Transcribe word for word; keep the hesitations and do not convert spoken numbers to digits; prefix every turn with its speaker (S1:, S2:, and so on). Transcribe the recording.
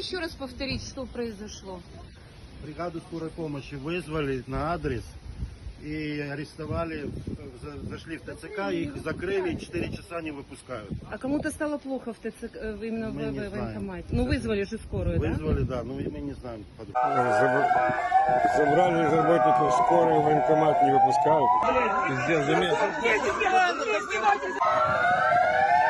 S1: еще раз повторить, что произошло?
S2: Бригаду скорой помощи вызвали на адрес и арестовали, за- зашли в ТЦК, их закрыли, четыре часа не выпускают.
S1: А кому-то стало плохо в ТЦК, э, именно
S2: Мы
S1: в,
S2: не
S1: в
S2: знаем.
S1: военкомате? Ну, вызвали же скорую, да?
S2: Вызвали, да, но мы не знаем. подробно.
S3: Заб- Забрали работников скорой, военкомат не выпускают. Пиздец, замес.